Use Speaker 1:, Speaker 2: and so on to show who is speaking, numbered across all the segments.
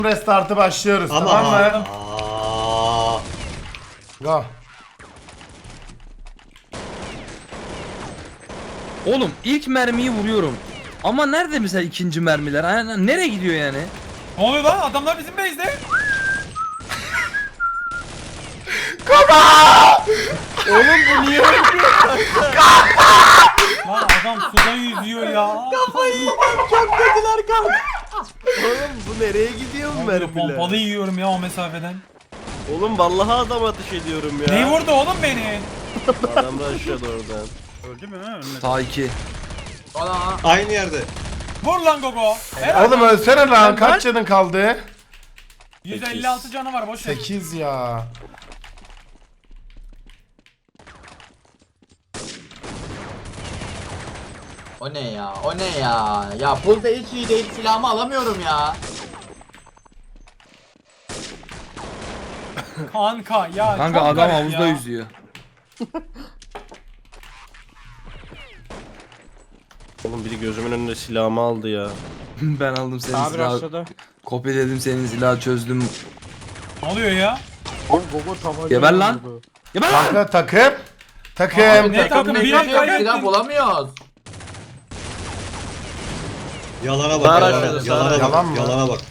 Speaker 1: Restartı başlıyoruz,
Speaker 2: Ama
Speaker 1: tamam mı? Go.
Speaker 3: Oğlum ilk mermiyi vuruyorum. Ama nerede mesela ikinci mermiler? Yani nereye gidiyor yani?
Speaker 4: Ne oluyor lan? Adamlar bizim base'de.
Speaker 3: Oğlum bu niye
Speaker 4: Lan adam suda yüzüyor ya.
Speaker 5: Oğlum bu nereye gidiyor bu
Speaker 4: Pompalı
Speaker 5: mermiler?
Speaker 4: yiyorum ya o mesafeden.
Speaker 5: Oğlum vallahi adam ateş ediyorum ya.
Speaker 4: Ne vurdu oğlum beni?
Speaker 5: Adam da aşağıda oradan.
Speaker 4: Öldü mü? Ölmedi.
Speaker 3: Sağ 2.
Speaker 2: Aynı yerde.
Speaker 4: Vur lan Gogo. Helal.
Speaker 1: Oğlum ölsene lan, kaç canın kaldı?
Speaker 4: 156 canı var boş ver.
Speaker 1: 8 ya.
Speaker 6: O ne ya? O ne ya? Ya pulda hiç iyi değil, silahımı alamıyorum ya.
Speaker 4: Kanka ya.
Speaker 3: Kanka
Speaker 4: çok
Speaker 3: adam
Speaker 4: garip
Speaker 3: havuzda
Speaker 4: ya.
Speaker 3: yüzüyor.
Speaker 5: Oğlum biri gözümün önünde silahımı aldı ya.
Speaker 3: Ben aldım senin
Speaker 7: Abi
Speaker 3: silahı.
Speaker 7: aşağıda.
Speaker 3: Kopyaladım senin silahı, çözdüm.
Speaker 4: Ne oluyor ya?
Speaker 7: Gogo tabanca.
Speaker 3: Geber lan. Geber lan.
Speaker 1: Kanka takım. Takım.
Speaker 4: Abi ne
Speaker 6: Takım
Speaker 4: takım?
Speaker 6: ne
Speaker 4: Bir
Speaker 6: yapıyor?
Speaker 4: kaybettin.
Speaker 6: Silah bulamıyoruz.
Speaker 2: Yalana bak,
Speaker 5: Sağ
Speaker 2: yalana,
Speaker 5: aşağıda,
Speaker 2: yalana,
Speaker 5: sağ.
Speaker 1: Yalan
Speaker 2: bak,
Speaker 1: mı?
Speaker 2: yalana bak.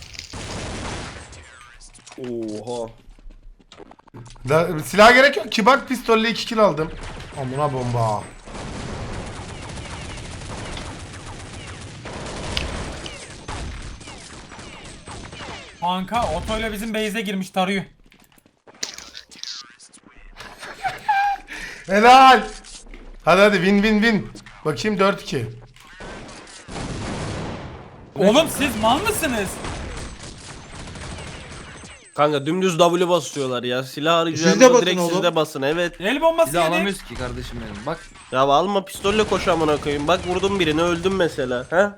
Speaker 5: Oha.
Speaker 1: Silah gerek yok ki, bak pistolle 2 kill aldım. Amına bomba.
Speaker 4: Kanka otoyla bizim base'e girmiş tarıyor.
Speaker 1: Helal. Hadi win win win. Bakayım 4-2.
Speaker 4: Oğlum siz mal mısınız?
Speaker 5: Kanka dümdüz W basıyorlar ya. Silah
Speaker 2: Siz de
Speaker 5: arayacağınızda
Speaker 2: basın
Speaker 5: direkt
Speaker 2: oğlum.
Speaker 5: siz de basın, evet.
Speaker 4: El bombası
Speaker 3: Silah
Speaker 4: yedi.
Speaker 3: alamıyoruz ki kardeşim benim. Bak.
Speaker 5: Ya alma pistolle koş amına koyayım. Bak vurdum birini, öldüm mesela. He?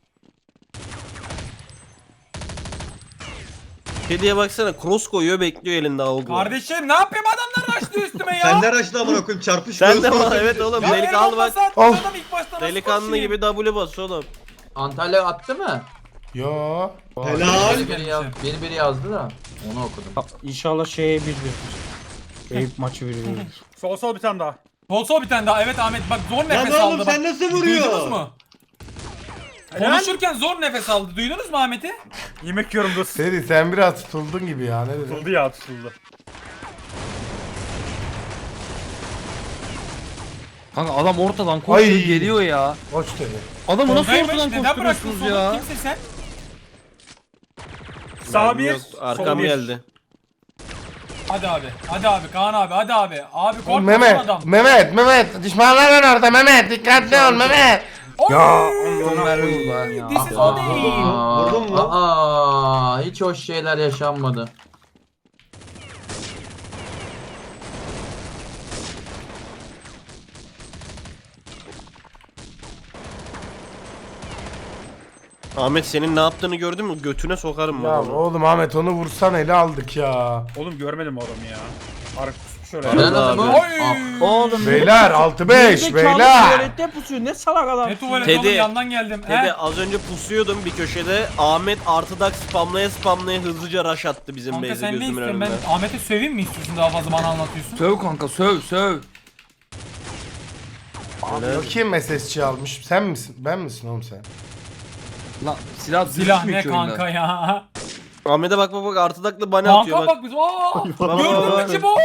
Speaker 5: Kediye baksana, cross koyuyor, bekliyor elinde avgu.
Speaker 4: Kardeşim ne yapayım, adamlar açtı üstüme ya.
Speaker 2: Sen de raşla amına koyayım, çarpış.
Speaker 5: Sen de
Speaker 2: göğüs
Speaker 5: var,
Speaker 2: ortaya
Speaker 5: evet
Speaker 2: gidiyor.
Speaker 5: oğlum.
Speaker 4: Ya el
Speaker 5: Delikanlı bak.
Speaker 4: bombası attı
Speaker 1: Of.
Speaker 4: adam ilk başta, nasıl
Speaker 5: Delikanlı
Speaker 4: koşayım?
Speaker 5: gibi W bas oğlum.
Speaker 6: Antalya attı mı?
Speaker 1: Yo.
Speaker 2: Helal.
Speaker 6: Biri yazdı da onu okudum.
Speaker 7: İnşallah şeye 1-1. Eyüp maçı 1-1.
Speaker 4: Sol bir tane daha. Sol bir tane daha, evet Ahmet bak zor
Speaker 2: Lan
Speaker 4: nefes
Speaker 2: oğlum
Speaker 4: aldı
Speaker 2: sen
Speaker 4: bak.
Speaker 2: nasıl vuruyor?
Speaker 4: Duydunuz mu? Konuşurken zor nefes aldı. Duydunuz mu Ahmet'i?
Speaker 8: Yemek yiyorum dur.
Speaker 1: Seri sen biraz tutuldun gibi ya, ne dedin?
Speaker 8: Tutuldu ya tutuldu.
Speaker 3: Kanka adam ortadan koşuyor
Speaker 1: Ay.
Speaker 3: geliyor ya.
Speaker 1: Koç dedi.
Speaker 3: Adamı nasıl
Speaker 4: Soldaymış,
Speaker 3: ortadan
Speaker 4: neden bıraktın
Speaker 3: koşturuyorsunuz
Speaker 4: solu?
Speaker 3: ya?
Speaker 4: Kimsin sen?
Speaker 8: Sağ bir,
Speaker 5: Yok, arkam
Speaker 8: sol bir.
Speaker 5: geldi.
Speaker 4: Hadi abi. Hadi abi Kaan abi. Hadi abi. Abi korkma
Speaker 1: Mehmet,
Speaker 4: adam.
Speaker 1: Mehmet, düşmanlar var orada Mehmet, dikkatli ol Mehmet.
Speaker 4: Ya.
Speaker 3: Son mermi vurdu ha.
Speaker 4: This is o değil.
Speaker 2: Vurdun mu?
Speaker 6: Hiç hoş şeyler yaşanmadı.
Speaker 5: Ahmet senin ne yaptığını gördün mü? Götüne sokarım
Speaker 1: Ya
Speaker 5: ben onu.
Speaker 1: oğlum Ahmet onu vursan ele aldık ya.
Speaker 8: Oğlum görmedim adamı ya. Arık kusmuş oraya.
Speaker 5: Ben-
Speaker 6: Ben adamı...
Speaker 5: abi.
Speaker 4: Oy.
Speaker 7: Oğlum.
Speaker 1: Beyler 6-5 beyler.
Speaker 7: Tuvalette pusuyor. Ne salak adam.
Speaker 4: Ne tuvalet
Speaker 5: Teddy.
Speaker 4: oğlum, yandan geldim.
Speaker 5: Tede
Speaker 4: He?
Speaker 5: az önce pusuyordum bir köşede. Ahmet artıdak spamlaya hızlıca rush attı bizim
Speaker 4: Kanka
Speaker 5: base'e
Speaker 4: sen ne
Speaker 5: gözümün
Speaker 4: istiyorsun?
Speaker 5: önünde.
Speaker 4: Ben Ahmet'i söveyim mi istiyorsun, daha fazla bana anlatıyorsun?
Speaker 3: Söv kanka söv.
Speaker 1: Kim SSC almış? Sen misin? Ben misin oğlum sen?
Speaker 3: Lan silah
Speaker 4: Silah ne
Speaker 3: ki oyunda.
Speaker 4: kanka ya?
Speaker 5: Ahmet'e bak artıdaklı bana atıyor
Speaker 4: Kanka
Speaker 5: bak.
Speaker 4: bak biz. Aa!
Speaker 5: Bak,
Speaker 4: Gördün
Speaker 5: bak.
Speaker 4: mü Cibo?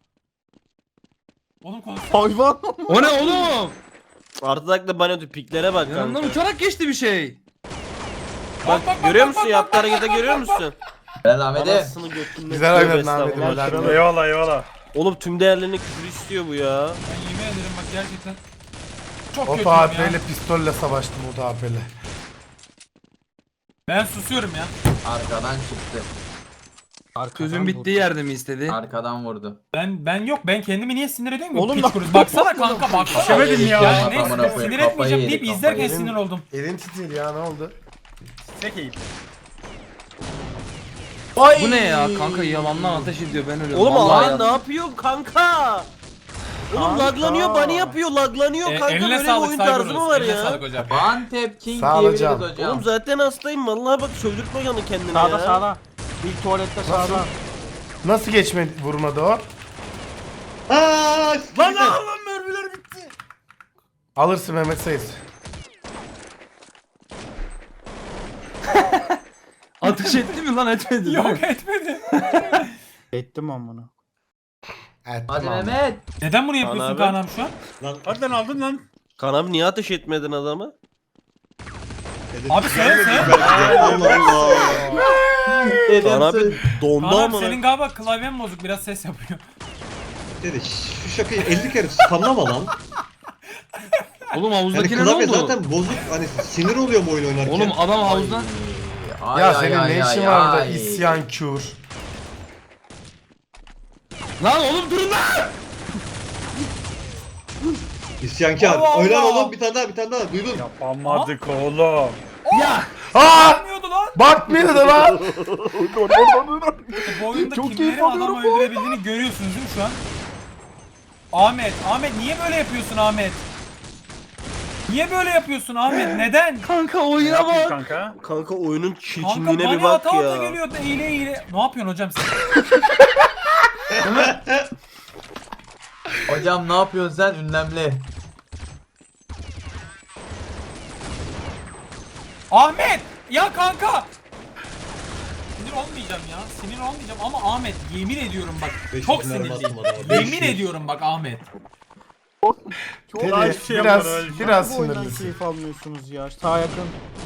Speaker 4: Oğlum konuşsana.
Speaker 7: Hayvan.
Speaker 3: O ne oğlum?
Speaker 5: Artıdaklı bana atıyor, piklere bak
Speaker 3: Yanından
Speaker 5: kanka.
Speaker 3: uçarak geçti bir şey.
Speaker 5: Bak, görüyor musun yaptığı harekete, görüyor musun?
Speaker 6: Ben Ahmet'e...
Speaker 5: Anasını götünden.
Speaker 1: Güzel oynadın Ahmet'im. helal.
Speaker 8: Eyvallah eyvallah.
Speaker 5: Oğlum tüm değerlerini küfür istiyor bu ya.
Speaker 4: Ben yemin ederim bak gerçekten. Çok
Speaker 1: O
Speaker 4: kötüyüm
Speaker 1: AP
Speaker 4: ya.
Speaker 1: ile pistolle savaştım o AP ile.
Speaker 4: Ben susuyorum ya.
Speaker 6: Arkadan çıktı.
Speaker 3: Sözün bittiği yerde mi istedi?
Speaker 6: Arkadan vurdu.
Speaker 4: Ben yok, ben kendimi niye sinir ediyorum ki?
Speaker 7: Oğlum
Speaker 4: Piç
Speaker 7: bak-
Speaker 4: kurusu. Baksana kanka baksana.
Speaker 8: İşemedim ya.
Speaker 4: Ya
Speaker 6: Kafamına
Speaker 4: neyse
Speaker 6: koyayım,
Speaker 4: sinir
Speaker 6: kafayı
Speaker 4: etmeyeceğim
Speaker 6: yedi,
Speaker 4: deyip
Speaker 6: kafayı
Speaker 4: izlerken
Speaker 6: yedi.
Speaker 4: sinir oldum.
Speaker 1: Elin titredi ya, ne oldu?
Speaker 8: Tek eğip.
Speaker 3: Bu ne ya kanka, yalandan ateş ediyor, ben ölüyorum.
Speaker 5: Oğlum
Speaker 3: Vallahi
Speaker 5: Ahmet
Speaker 3: ya.
Speaker 5: ne yapıyorsun kanka? Oğlum laglanıyor, bunny yapıyor, laglanıyor kanka,
Speaker 4: Eline
Speaker 5: böyle bir
Speaker 4: sağlık
Speaker 5: oyun tarzı
Speaker 4: Cyberus.
Speaker 5: mı var
Speaker 4: Eline
Speaker 5: ya?
Speaker 4: sağlık hocam.
Speaker 6: One tap king
Speaker 1: Sağ ol
Speaker 6: diyebiliriz
Speaker 1: hocam.
Speaker 6: hocam.
Speaker 5: Oğlum zaten hastayım vallahi, bak sövdürtme yanı kendine
Speaker 7: Sağda
Speaker 5: ya.
Speaker 7: sağda. Bir tuvalette sağda.
Speaker 1: Nasıl geçmedi vurmadı o?
Speaker 2: Aaa!
Speaker 8: Lan oğlum mermiler bitti.
Speaker 1: Alırsın Mehmet Sayız.
Speaker 3: Ateş etti mi lan etmedi değil mi?
Speaker 4: Yok etmedi.
Speaker 7: Ettim amına.
Speaker 1: Evet,
Speaker 6: Hadi
Speaker 1: tamam.
Speaker 6: Mehmet.
Speaker 4: Neden bunu yapıyorsun
Speaker 5: abi.
Speaker 4: Kaan abi şu an?
Speaker 2: Lan
Speaker 8: Hadi lan aldın lan.
Speaker 5: Kaan abi niye ateş etmedin adamı?
Speaker 4: Abi sen.
Speaker 2: Allah Allah.
Speaker 5: Kaan abi dondu
Speaker 4: Kaan abi
Speaker 5: ama.
Speaker 4: senin galiba klavyen bozuk biraz ses yapıyor.
Speaker 2: Dedi şu şakayı 50 kere spamlama lan.
Speaker 3: Oğlum
Speaker 2: Yani
Speaker 3: havuzdakine ne
Speaker 2: klavye
Speaker 3: oldu?
Speaker 2: zaten bozuk, hani sinir oluyor bu oyun oynarken.
Speaker 3: Oğlum adam havuzdan...
Speaker 1: Ya senin ne işin var burada isyan kür?
Speaker 3: Lan oğlum durun lan!
Speaker 2: İsyankar.
Speaker 4: Allah
Speaker 2: Oynar
Speaker 4: Allah.
Speaker 2: oğlum, bir tane daha duydun.
Speaker 8: Yapamadık oğlum.
Speaker 3: Ya!
Speaker 1: Aa!
Speaker 4: Bilmiyordu lan.
Speaker 1: Bakmıyordu lan.
Speaker 4: Bu oyunda
Speaker 7: Çok keyif
Speaker 4: kimlerin adamı
Speaker 7: alıyorum bu
Speaker 4: öldürebildiğini görüyorsunuz değil mi şu an? Ahmet niye böyle yapıyorsun Ahmet? Niye böyle yapıyorsun Ahmet? Neden?
Speaker 3: Kanka
Speaker 8: Ne
Speaker 3: oyuna
Speaker 8: yapayım
Speaker 3: bak!
Speaker 8: kanka?
Speaker 5: Kanka oyunun
Speaker 4: Kanka
Speaker 5: çirkinliğine
Speaker 4: bana
Speaker 5: bir bak
Speaker 4: hata
Speaker 5: ya.
Speaker 4: geliyor eğile. Ne yapıyorsun hocam sen?
Speaker 6: Hocam ne yapıyorsun sen ünlemli?
Speaker 4: Ahmet! Ya kanka! Sinir olmayacağım ya. Sinir olmayacağım ama Ahmet yemin ediyorum bak.
Speaker 2: 500
Speaker 4: Çok
Speaker 2: mermi
Speaker 4: sinirliyim.
Speaker 2: attım adama,
Speaker 4: Yemin
Speaker 2: 500.
Speaker 4: ediyorum bak Ahmet.
Speaker 1: Teddy,
Speaker 8: Daha hiçbir şey
Speaker 1: biraz
Speaker 8: yapmadım, öyle.
Speaker 1: biraz
Speaker 7: Bu oyundan
Speaker 1: sinirlisin.
Speaker 7: keyif almıyorsunuz ya. Sağ yakın.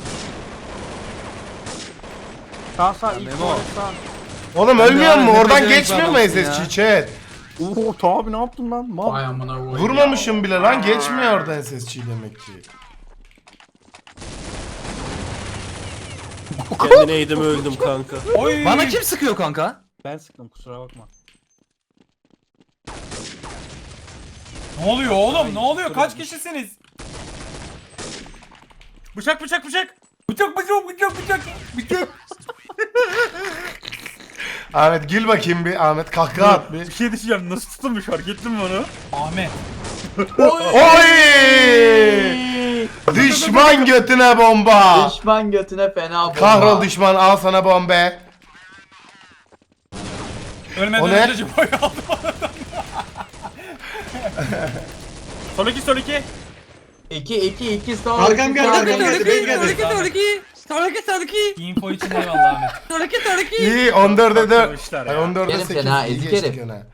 Speaker 7: Sağ ilk
Speaker 3: Memo.
Speaker 7: tuvalet sağ.
Speaker 1: Oğlum
Speaker 3: Ben de
Speaker 1: ölmüyor mu?
Speaker 3: hala
Speaker 1: Oradan
Speaker 3: nefes
Speaker 1: geçmiyor mu
Speaker 3: alamazsın ya.
Speaker 1: SSC chat?
Speaker 7: Oo tabi ne yaptın lan? Mal.
Speaker 6: Vay amına koyayım.
Speaker 1: Vurmamışım bile lan, geçmiyor oradan SSC demek ki.
Speaker 5: Kendine eğdim öldüm kanka.
Speaker 4: Oy!
Speaker 3: Bana kim sıkıyor kanka?
Speaker 7: Ben sıktım kusura bakma.
Speaker 4: Ne oluyor oğlum? Ne oluyor? Kaç kişisiniz?
Speaker 8: Bıçak.
Speaker 4: Bıçak.
Speaker 1: Ahmet gül bakayım bir, Ahmet kahkaha at bir.
Speaker 8: Bir şey diyeceğim, nasıl tutulmuş fark ettin mi onu?
Speaker 4: Ahmet.
Speaker 1: Oy! Düşman götüne bomba.
Speaker 6: Düşman götüne fena bomba.
Speaker 1: Kahrol düşman, al sana bombe.
Speaker 4: Ölmeden
Speaker 1: O ne?
Speaker 4: önce boy aldım.
Speaker 8: Sol iki.
Speaker 6: 2 son.
Speaker 2: Arkam geldi, arkam geldi, benim geldi.
Speaker 4: Info için eyvallah Ahmet.
Speaker 1: İyi 14'e 4.
Speaker 8: Arkadaşlar
Speaker 1: Ay
Speaker 8: ya.
Speaker 1: 14'e
Speaker 6: Yerim
Speaker 1: 8.
Speaker 6: seni ha,
Speaker 1: İyi
Speaker 6: ezik
Speaker 1: geçtik
Speaker 6: herif.
Speaker 1: öne.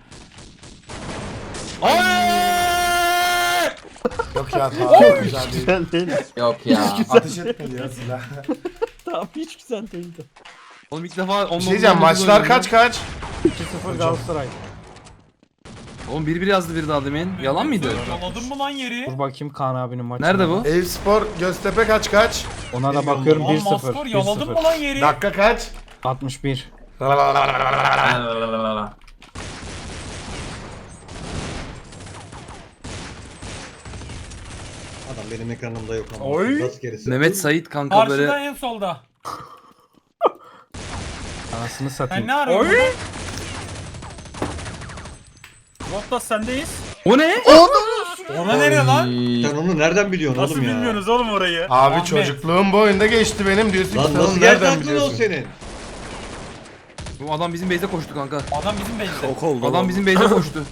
Speaker 1: Yok ya tamam güzel değil.
Speaker 7: Güzel değil.
Speaker 6: Yok ya.
Speaker 1: Ateş etmedi ya silah.
Speaker 7: Tamam hiç güzel değildi.
Speaker 3: Oğlum ilk defa...
Speaker 1: Bir şey diyeceğim, maçlar kaç?
Speaker 7: 2-0 Galatasaray.
Speaker 3: Oğlum 1-1 yazdı bir daha demin. Yalan mıydı?
Speaker 4: Yaladın mı lan yeri?
Speaker 7: Dur bakayım Kaan abinin maçına.
Speaker 3: Nerede bu?
Speaker 1: Eyüpspor Göztepe kaç?
Speaker 7: Ona da bakıyorum
Speaker 4: Lan
Speaker 7: 1-0.
Speaker 4: maskor yaladın mı
Speaker 7: 1-0.
Speaker 4: lan yeri?
Speaker 1: Dakika kaç?
Speaker 7: 61.
Speaker 2: Adam benim ekranımda yok ama.
Speaker 8: Oy.
Speaker 2: Nasıl gerisi?
Speaker 3: Mehmet Sait kanka
Speaker 4: Karşıda
Speaker 3: böyle...
Speaker 4: en solda.
Speaker 7: Anasını
Speaker 4: Sen
Speaker 7: satayım.
Speaker 4: ne arıyorsun?
Speaker 8: Oy.
Speaker 4: burada?
Speaker 8: Bottas sendeyiz.
Speaker 3: O ne?
Speaker 4: Ona nereye lan?
Speaker 2: Sen onu nereden biliyorsun
Speaker 8: Nasıl
Speaker 2: oğlum ya?
Speaker 8: bilmiyorsunuz oğlum orayı?
Speaker 1: Abi
Speaker 4: Ahmet.
Speaker 1: çocukluğum bu oyunda geçti benim diyorsun ki
Speaker 2: Lan
Speaker 1: sen
Speaker 2: nasıl
Speaker 1: onu
Speaker 2: geldi
Speaker 1: nereden
Speaker 2: aklına o
Speaker 1: biliyorsun?
Speaker 2: senin?
Speaker 3: Bu adam bizim base'e koştu kanka.
Speaker 4: Adam bizim base'de.
Speaker 5: Şok oldu.
Speaker 3: Adam bizim base'e koştu.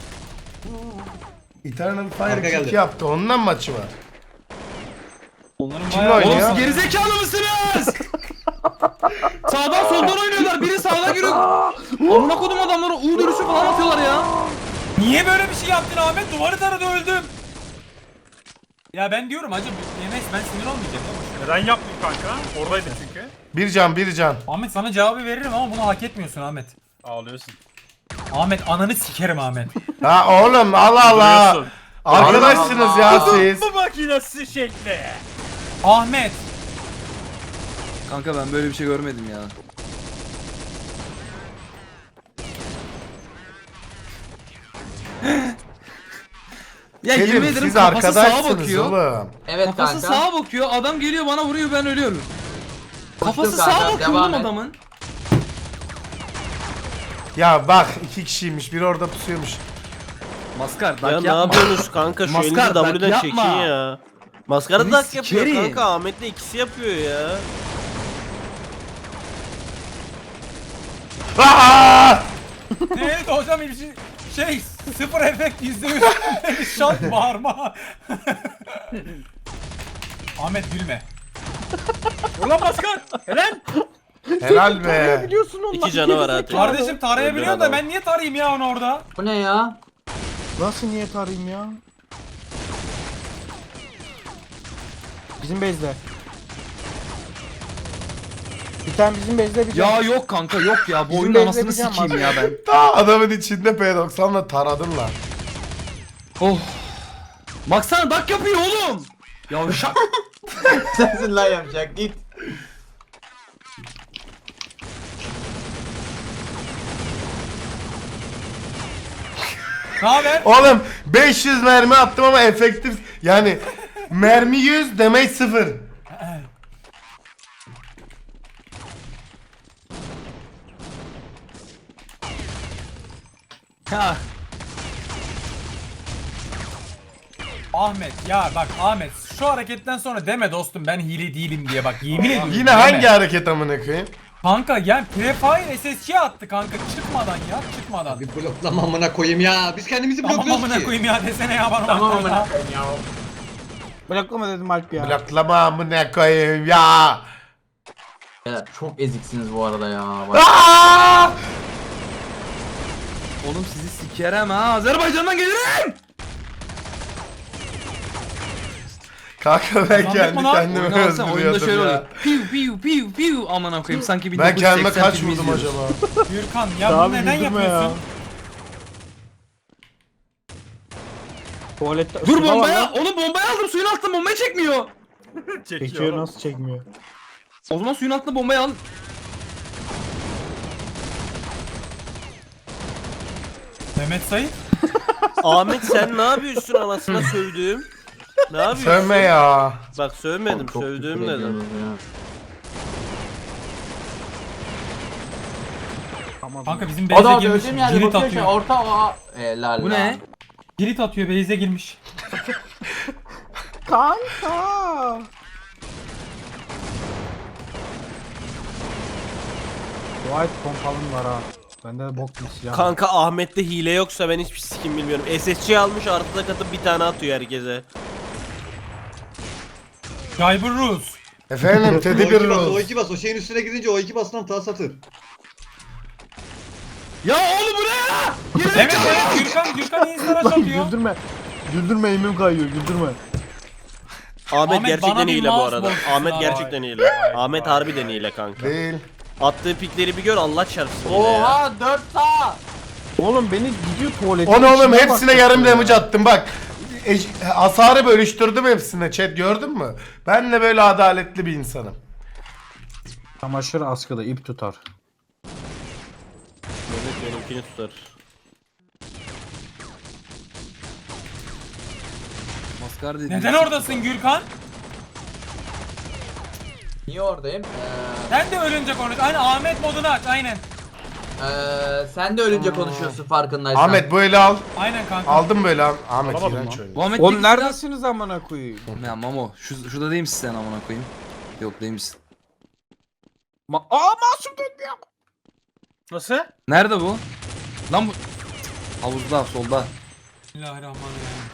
Speaker 1: Eternal Fire
Speaker 2: Arka
Speaker 1: kick
Speaker 2: geldi.
Speaker 1: yaptı, ondan maçı var.
Speaker 4: Onların
Speaker 1: Kimle
Speaker 4: bayağı...
Speaker 1: oynuyor?
Speaker 3: Oğlum siz gerizekalı mısınız? Sağdan soldan oynuyorlar. Biri sağdan giriyor. Amına kodum adamları U dönüşü falan atıyorlar ya.
Speaker 4: Niye böyle bir şey yaptın Ahmet? Duvarı taradı öldüm. Ya ben diyorum hacı Yemes ben sinir olmayacağım ya.
Speaker 8: Neden yaptın kanka? Oradaydı çünkü.
Speaker 1: Bir can.
Speaker 4: Ahmet sana cevabı veririm ama bunu hak etmiyorsun Ahmet.
Speaker 8: Ağlıyorsun.
Speaker 4: Ahmet ananı sikerim Ahmet.
Speaker 1: Ha oğlum Allah Allah.
Speaker 8: Duruyorsun.
Speaker 1: Arkadaşsınız ya siz.
Speaker 8: Bu makinesi şekli.
Speaker 4: Ahmet.
Speaker 3: Kanka ben böyle bir şey görmedim ya. Ya yemin
Speaker 1: Kerim
Speaker 3: ederim
Speaker 1: siz
Speaker 3: kafası sağa
Speaker 1: arkadaşsınız
Speaker 3: bakıyor.
Speaker 1: oğlum.
Speaker 6: Evet
Speaker 3: Kafası
Speaker 6: kanka.
Speaker 3: sağa bakıyor. Adam geliyor bana vuruyor ben ölüyorum. Kafası
Speaker 6: kanka,
Speaker 3: sağa bakıyor
Speaker 6: devam
Speaker 3: oğlum
Speaker 6: et.
Speaker 3: adamın.
Speaker 1: Ya bak 2 kişiymiş, biri orada pusuyormuş.
Speaker 3: Maskar
Speaker 5: Ya
Speaker 3: dak
Speaker 5: ne
Speaker 3: yapma.
Speaker 5: yapıyorsunuz kanka? Şu
Speaker 3: Maskar,
Speaker 5: elinizi
Speaker 3: dak
Speaker 5: W'den
Speaker 3: yapma.
Speaker 5: çekin ya. Maskara
Speaker 3: Seni
Speaker 5: dak yapıyor
Speaker 3: sikerim.
Speaker 5: kanka. Ahmet'le ikisi yapıyor ya.
Speaker 1: Aa!
Speaker 4: Neydi hocam bir şey sıfır efekt %100 şart bağırma. Ahmet gülme.
Speaker 8: Ulan Pascal. Helal.
Speaker 1: Helal be.
Speaker 7: Biliyorsun ondan.
Speaker 5: İki canı var hadi.
Speaker 4: Kardeşim tarayabiliyor da
Speaker 5: adam.
Speaker 4: ben niye tarayayım ya onu orada?
Speaker 6: Bu ne ya?
Speaker 7: Nasıl niyet arayayım ya? Bizim base'de. Bir tane bizim base'de bir
Speaker 3: Ya
Speaker 7: can.
Speaker 3: yok kanka yok ya. Bu
Speaker 7: Bizim
Speaker 3: oyunun
Speaker 7: base'de
Speaker 3: anasını
Speaker 7: bir can var.
Speaker 3: sikeyim ya ben.
Speaker 1: Ta adamın içinde P90'la taradın lan.
Speaker 3: Oh. Baksana dak yapıyor oğlum. Yavşak.
Speaker 6: Sensin lan yapacak git.
Speaker 4: Ne haber?
Speaker 1: Oğlum 500 mermi attım ama efektif yani mermi 100 demek 0.
Speaker 3: Ha.
Speaker 4: Ahmet ya bak Ahmet şu hareketten sonra deme dostum ben hile değilim diye bak yemin ediyorum.
Speaker 1: Yine
Speaker 4: deme.
Speaker 1: hangi hareket amına koyayım?
Speaker 4: Kanka yani Prefire SSC attı kanka çıkmadan ya çıkmadan.
Speaker 2: Bir bloklama amına koyayım ya. Biz kendimizi
Speaker 4: Tamam
Speaker 2: blokluyoruz
Speaker 4: amına
Speaker 2: ki.
Speaker 4: koyayım ya desene ya bana.
Speaker 6: Tamam
Speaker 4: bak
Speaker 6: amına
Speaker 4: ya.
Speaker 6: koyayım ya.
Speaker 7: Bıraklama dedim Alp ya.
Speaker 1: Bloklama amına koyayım ya.
Speaker 6: Ya çok eziksiniz bu arada ya. Bak.
Speaker 1: Aa!
Speaker 3: Oğlum sizi sikerem ha. Azerbaycan'dan gelirim.
Speaker 1: Kanka ben
Speaker 4: Kazandık
Speaker 1: kendi
Speaker 4: mı lan?
Speaker 1: kendime
Speaker 3: Oyunu alsam oyunda şöyle
Speaker 1: öldürüyordum ya.
Speaker 3: oluyor. Piu piu piu piu amına koyayım sanki
Speaker 1: Ben
Speaker 3: 1980
Speaker 1: kendime kaç
Speaker 3: filmi
Speaker 1: vurdum
Speaker 3: izliyoruz.
Speaker 1: acaba?
Speaker 4: Gürkan ya
Speaker 7: Abi
Speaker 4: bunu neden
Speaker 7: güldürme
Speaker 4: yapıyorsun?
Speaker 7: Tuvalette
Speaker 3: Dur
Speaker 7: ısı da var
Speaker 3: bombaya.
Speaker 7: lan.
Speaker 3: Oğlum bombayı aldım suyun altında bombayı çekmiyor.
Speaker 7: Çekiyor nasıl çekmiyor?
Speaker 3: O zaman suyun altında bombayı al.
Speaker 4: Mehmet Sayın.
Speaker 5: Ahmet sen ne yapıyorsun anasına sövdüğüm? Ne yapıyorsun?
Speaker 1: Sövme ya.
Speaker 5: Bak sövmedim,
Speaker 6: Çok
Speaker 5: sövdüğüm
Speaker 6: küfür
Speaker 5: dedim.
Speaker 6: ediyorsunuz ya.
Speaker 4: Kanka bizim
Speaker 6: O
Speaker 4: base'e
Speaker 6: da
Speaker 4: girmiş.
Speaker 6: öldüğüm yerde
Speaker 4: Girit
Speaker 6: bakıyor şey
Speaker 4: atıyor.
Speaker 6: orta o. Helal
Speaker 3: Bu
Speaker 6: lan.
Speaker 3: ne?
Speaker 4: Girit atıyor base'e girmiş.
Speaker 7: Kanka. White pompalım var ha. Bende de bok bir silah.
Speaker 5: Kanka Ahmet'te hile yoksa ben hiçbir sikim bilmiyorum. SSC almış artıda katıp bir tane atıyor herkese.
Speaker 4: Cyber Rus.
Speaker 1: Efendim Teddy bir
Speaker 2: O2 bas,
Speaker 1: Rose.
Speaker 2: O2 bas. O şeyin üstüne gidince O2 bastan tas atır.
Speaker 3: Ya oğlum bu ne ya?
Speaker 4: Evet evet Gürkan instalaş atıyor.
Speaker 7: Güldürme. Güldürme elimim kayıyor güldürme.
Speaker 5: Ahmet
Speaker 4: Ahmet,
Speaker 5: gerçekten
Speaker 4: bana bir
Speaker 5: hile bu
Speaker 4: mouse
Speaker 5: arada.
Speaker 4: box'u
Speaker 5: Ahmet
Speaker 4: var.
Speaker 5: gerçekten hile. Ahmet harbiden hile kanka.
Speaker 1: Değil.
Speaker 5: Attığı pikleri bir gör Allah çarpsın hile ya.
Speaker 6: Oha 4 sağ.
Speaker 7: Oğlum beni gidiyor tuvalete.
Speaker 1: Onu oğlum
Speaker 7: içine
Speaker 1: hepsine
Speaker 7: bak-
Speaker 1: yarım damage attım bak. Hasarı bölüştürdüm hepsine chat gördün mü? Ben de böyle adaletli bir insanım.
Speaker 7: Çamaşır askıda ip tutar.
Speaker 5: Mehmet benimkini tutar.
Speaker 3: Maskar dedi.
Speaker 4: Neden oradasın Gürkan?
Speaker 6: Niye oradayım?
Speaker 4: Sen de ölünce konuş. Aynen Ahmet modunu aç aynen.
Speaker 6: Sen de ölünce konuşuyorsun farkındaysan.
Speaker 1: Ahmet böyle al.
Speaker 4: Aynen kanka.
Speaker 1: Aldım böyle al. Ahmet
Speaker 8: Alamadım
Speaker 1: iğrenç
Speaker 8: lan.
Speaker 1: oynuyor.
Speaker 3: Bu Ahmet
Speaker 7: Oğlum
Speaker 3: Bilgisayar-
Speaker 7: neredesiniz amına koyayım?
Speaker 3: Ya Mamo şurada değil misin sen amına koyayım? Yok değil misin?
Speaker 7: Masum dönmüyor.
Speaker 8: Nasıl?
Speaker 3: Nerede bu? Lan bu havuzda solda.
Speaker 4: Bismillahirrahmanirrahim.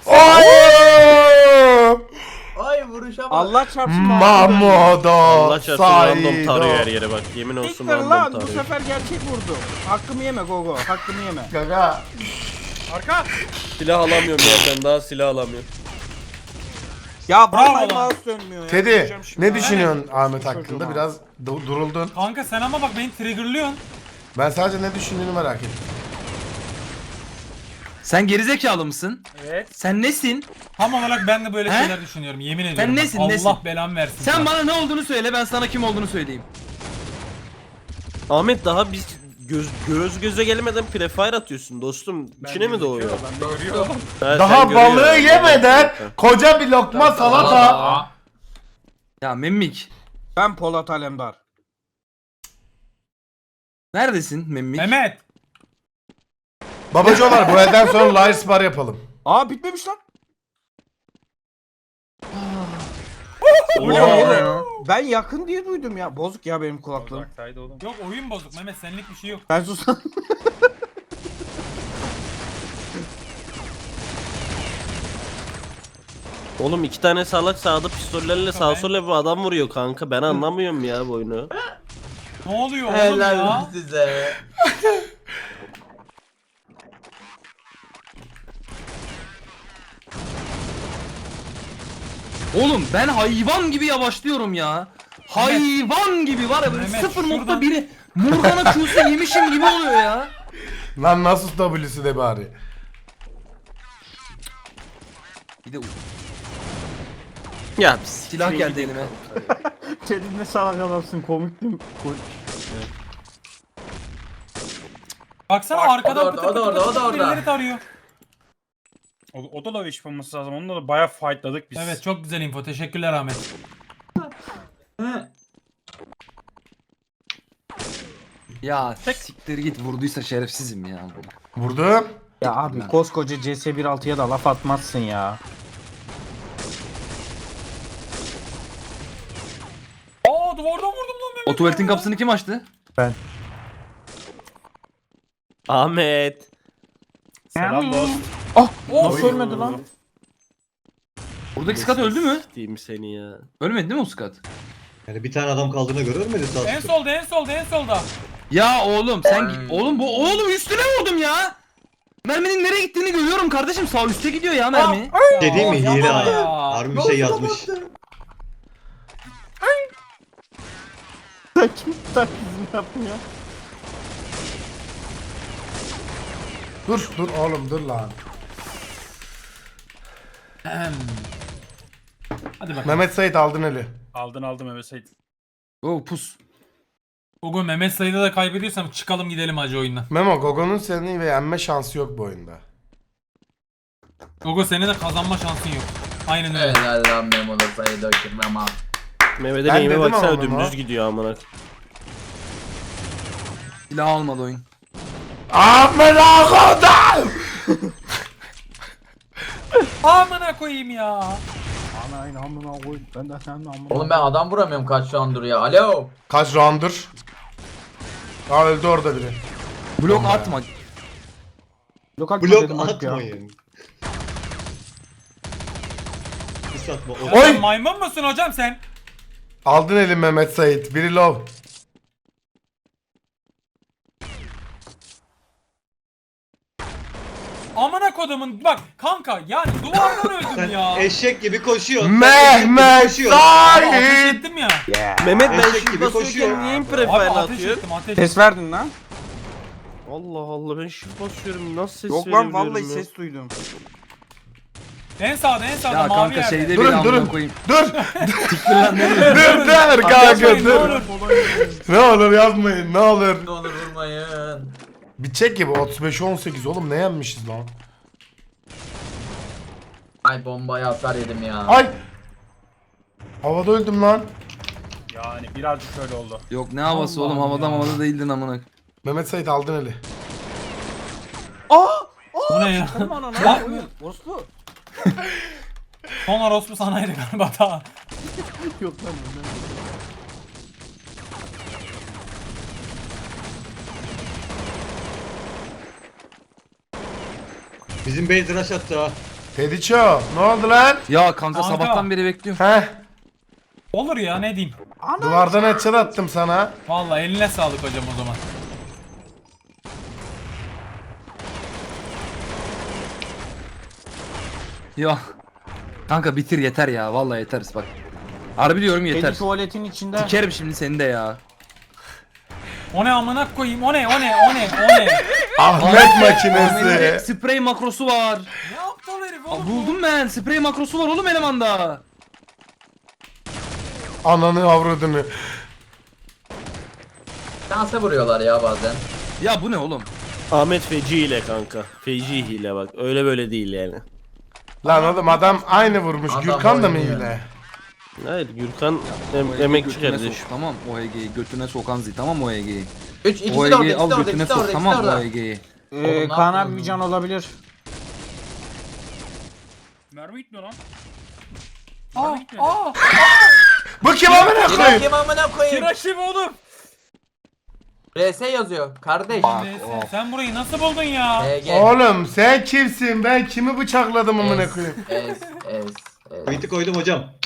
Speaker 1: Oy!
Speaker 6: Ay vuruşa bak.
Speaker 7: Allah çarpsın.
Speaker 1: Mamodo
Speaker 5: Allah çarpsın random
Speaker 1: Saido.
Speaker 5: tarıyor her yere bak. Yemin olsun
Speaker 7: Siktir
Speaker 5: random
Speaker 7: lan bu
Speaker 5: tarıyor.
Speaker 7: sefer gerçek vurdu. Hakkımı yeme Gogo. Hakkımı yeme.
Speaker 1: Gaga.
Speaker 8: Arka.
Speaker 5: Silah alamıyorum ya ben daha silah alamıyorum.
Speaker 7: Ya
Speaker 4: Bravo
Speaker 7: vallahi
Speaker 4: lan.
Speaker 7: mouse dönmüyor ya.
Speaker 1: Teddy
Speaker 7: Diyeceğim şimdi.
Speaker 1: ne düşünüyorsun Ahmet
Speaker 7: Çocuğum
Speaker 1: hakkında?
Speaker 7: abi.
Speaker 1: Biraz duruldun.
Speaker 4: Kanka sen ama bak beni triggerlıyorsun.
Speaker 1: Ben sadece ne düşündüğünü merak ettim.
Speaker 3: Sen gerizekalı mısın?
Speaker 8: Evet.
Speaker 3: Sen nesin?
Speaker 4: Tam olarak ben de böyle
Speaker 3: He?
Speaker 4: şeyler düşünüyorum yemin ediyorum.
Speaker 3: nesin,
Speaker 4: Allah
Speaker 3: nesin?
Speaker 4: belamı versin.
Speaker 3: Sen
Speaker 4: sana.
Speaker 3: bana ne olduğunu söyle ben sana kim olduğunu söyleyeyim.
Speaker 5: Ahmet daha biz göz göze gelmeden prefire atıyorsun dostum. İçine mi doğuyor?
Speaker 8: Ben de görüyorum.
Speaker 5: Ha, sen
Speaker 1: Daha
Speaker 5: görüyor
Speaker 1: balığı
Speaker 5: yani.
Speaker 1: yemeden koca bir lokma salata.
Speaker 3: Ya Memmik.
Speaker 7: Ben Polat Alemdar.
Speaker 3: Neredesin Memmik?
Speaker 4: Mehmet.
Speaker 1: Babacılar bu elden sonra Liars Bar yapalım.
Speaker 7: Aa bitmemiş lan. Bu ne oğlum? Ben yakın diye duydum ya. Bozuk ya benim kulaklığım.
Speaker 8: Uzaktaydı oğlum.
Speaker 4: Yok oyun bozuk Mehmet, senlik bir şey yok.
Speaker 7: Ben susam.
Speaker 5: Oğlum 2 tane salak sağda pistollerle sağ sola bir adam vuruyor kanka. Ben anlamıyorum ya bu oyunu.
Speaker 4: Ne oluyor oğlum
Speaker 6: Helal
Speaker 4: ya?
Speaker 6: size.
Speaker 3: Oğlum ben hayvan gibi yavaşlıyorum ya. Hayvan gibi var ya böyle
Speaker 4: Mehmet,
Speaker 3: 0.1'i Morgana Q'su yemişim gibi oluyor ya.
Speaker 1: Lan nasıl W'si de bari.
Speaker 3: Bir de
Speaker 5: Ya
Speaker 3: silah geldi elime.
Speaker 7: Senin ne salak adamsın, komiktim.
Speaker 4: Baksana
Speaker 6: Bak,
Speaker 4: arkadan
Speaker 6: o da orada, o da orada, o da orada.
Speaker 4: birileri tarıyor.
Speaker 8: O da low yapılması lazım. Onunla da bayağı fightladık biz.
Speaker 4: Evet çok güzel info. Teşekkürler Ahmet.
Speaker 3: Ya siktir git, vurduysa şerefsizim ya.
Speaker 1: Vurdum.
Speaker 7: Ya abi koskoca CS1.6'ya da laf atmazsın ya.
Speaker 4: Aa duvardan vurdum lan Mehmet.
Speaker 3: O tuvaletin kapısını kim açtı?
Speaker 5: Ahmet.
Speaker 8: Selam dost.
Speaker 7: Nasıl ölmedi lan?
Speaker 3: Oradaki skat öldü mü?
Speaker 5: Diyeyim seni ya.
Speaker 3: Ölmedi değil mi o skat?
Speaker 2: Yani bir tane adam kaldığına göre ölmedi sağ
Speaker 4: En
Speaker 2: olsun.
Speaker 4: solda en solda en solda.
Speaker 3: Ya oğlum sen oğlum oğlum üstüne vurdum ya. Merminin nereye gittiğini görüyorum kardeşim, sağ üstte gidiyor ya mermi.
Speaker 2: Şey değil mi?
Speaker 4: Aa,
Speaker 2: Hile
Speaker 4: yapma
Speaker 2: ha.
Speaker 4: ya.
Speaker 2: Harbi bir şey yazmış.
Speaker 7: Sen kim taklidini yaptın ya?
Speaker 1: Dur dur oğlum dur lan.
Speaker 4: Hadi bakalım.
Speaker 1: Mehmet Sait aldın eli.
Speaker 8: Aldın Mehmet Sait.
Speaker 3: Oh pus.
Speaker 4: Bugün Mehmet sayıda da kaybediyorsam çıkalım gidelim hacı oyundan.
Speaker 1: Memo Gogo'nun seni ve yenme şansı yok bu oyunda.
Speaker 4: Gogo senin de kazanma şansın yok. Aynen öyle.
Speaker 6: Helal lan Memo'da sayı döküm ama.
Speaker 5: Mehmet'e
Speaker 1: Ben
Speaker 5: neyime
Speaker 1: dedim
Speaker 5: baksana
Speaker 1: ama
Speaker 5: dümdüz
Speaker 1: bunu.
Speaker 5: gidiyor amına.
Speaker 3: Silah almadı oyun.
Speaker 1: Amına kodum!
Speaker 4: Amına koyayım ya.
Speaker 7: Ana amına koy. Ben de senin amına.
Speaker 6: Oğlum ben adam vuramıyorum kaç round'dur ya. Alo.
Speaker 1: Kaç roundur? Aa öldü orada biri.
Speaker 3: Blok atma.
Speaker 7: Lokal
Speaker 2: Blok
Speaker 7: dedim bak ya.
Speaker 2: atmayın. Pis atma. O-
Speaker 1: Oy!
Speaker 4: Sen maymun musun hocam sen?
Speaker 1: Aldın eli Mehmet Sait. Biri low.
Speaker 4: Amına kodumun bak kanka yani duvardan öldüm
Speaker 2: Sen
Speaker 4: ya.
Speaker 2: eşek gibi koşuyorsun.
Speaker 1: Mehmet
Speaker 4: Ateş
Speaker 1: Sait!
Speaker 4: ettim ya.
Speaker 5: Mehmet ben
Speaker 2: Eşek
Speaker 5: shift
Speaker 2: gibi koşuyor.
Speaker 5: basıyorken niye
Speaker 4: Abi
Speaker 5: imprefile
Speaker 4: ateş
Speaker 5: atıyor?
Speaker 4: ettim ateş.
Speaker 7: Ses verdin lan.
Speaker 5: Allah Allah ben shift basıyorum nasıl ses
Speaker 7: Yok lan
Speaker 5: verebiliyorum
Speaker 7: vallahi
Speaker 5: ya?
Speaker 7: ses duydum.
Speaker 4: En sağda
Speaker 3: Ya
Speaker 4: mavi
Speaker 3: kanka
Speaker 4: yerde.
Speaker 3: şeyde bir
Speaker 1: Durun
Speaker 3: amına
Speaker 1: durun.
Speaker 3: koyayım.
Speaker 1: Dur! dur kanka
Speaker 4: Yapmayın, ne
Speaker 1: dur.
Speaker 4: olur.
Speaker 1: Ne olur yapmayın ne olur.
Speaker 6: Ne olur vurmayın.
Speaker 1: Bir çek gibi 35-18 oğlum ne yenmişiz lan?
Speaker 6: Ay bombaya hasar yedim ya.
Speaker 1: Ay! Havada öldüm lan.
Speaker 8: Yani birazcık öyle oldu.
Speaker 3: Yok ne havası
Speaker 4: Allah'ım
Speaker 3: oğlum,
Speaker 4: ya.
Speaker 3: havada değildin amına.
Speaker 1: Mehmet Sait aldın eli.
Speaker 4: Bu ne ya?
Speaker 7: Aman ana.
Speaker 4: Bak.
Speaker 7: Oslu.
Speaker 4: Son orospu sanaydı galiba daha.
Speaker 7: Yok lan.
Speaker 2: Bizim base rush attı ha.
Speaker 1: Tediço ne oldu lan?
Speaker 3: Ya kanka
Speaker 4: Kanka.
Speaker 3: sabahtan beri bekliyorum.
Speaker 1: Heh
Speaker 4: Olur ya ne diyeyim.
Speaker 1: duvardan headshot attım sana.
Speaker 4: Vallahi eline sağlık hocam o zaman.
Speaker 3: Ya. Kanka bitir yeter ya, vallahi yeter bak. Harbi diyorum yeter.
Speaker 7: Kedi tuvaletin içinde.
Speaker 3: Sikerim şimdi seni de ya.
Speaker 4: O ne amına koyayım o ne o ne o ne o ne.
Speaker 1: Ahmet makinesi.
Speaker 3: Sprey makrosu var.
Speaker 4: Ne yaptı o herif
Speaker 3: Aa,
Speaker 4: oğlum?
Speaker 3: buldum ben. Sprey makrosu var oğlum elemanda.
Speaker 1: Ananı avradını.
Speaker 6: Şansa vuruyorlar ya bazen.
Speaker 3: Ya bu ne oğlum?
Speaker 5: Ahmet feci hile kanka. Feci hile bak. Öyle böyle değil yani.
Speaker 1: Lan oğlum adam aynı vurmuş.
Speaker 6: Adam
Speaker 1: Gürkan da mı
Speaker 6: oynuyor.
Speaker 1: hile?
Speaker 5: Hayır Gürkan
Speaker 3: O EG'yi
Speaker 5: emekçi
Speaker 3: götüne
Speaker 5: kardeş.
Speaker 3: sok, tamam o EG'yi götüne sokan zil, tamam o EG'yi.
Speaker 6: İkisi
Speaker 3: O
Speaker 6: de orada,
Speaker 3: EG'yi
Speaker 6: ikisi
Speaker 3: al
Speaker 6: de orada,
Speaker 3: götüne
Speaker 6: ikisi de
Speaker 3: sok,
Speaker 6: orada, ikisi de
Speaker 3: tamam o
Speaker 6: orada.
Speaker 3: EG'yi.
Speaker 6: Oğlum, ne
Speaker 7: Kaan
Speaker 6: yaptın?
Speaker 7: abi bir can olabilir.
Speaker 8: Mermi gitmiyor lan.
Speaker 1: Bu kim amına
Speaker 6: Kira
Speaker 1: koyayım?
Speaker 6: kim amına koyayım?
Speaker 4: Kiraşim oğlum.
Speaker 6: RS yazıyor. Kardeş.
Speaker 4: Sen burayı nasıl buldun ya?
Speaker 6: HG.
Speaker 1: Oğlum sen kimsin? Ben kimi bıçakladım amına koyayım?
Speaker 6: Es.
Speaker 2: Kayıtı koydum hocam.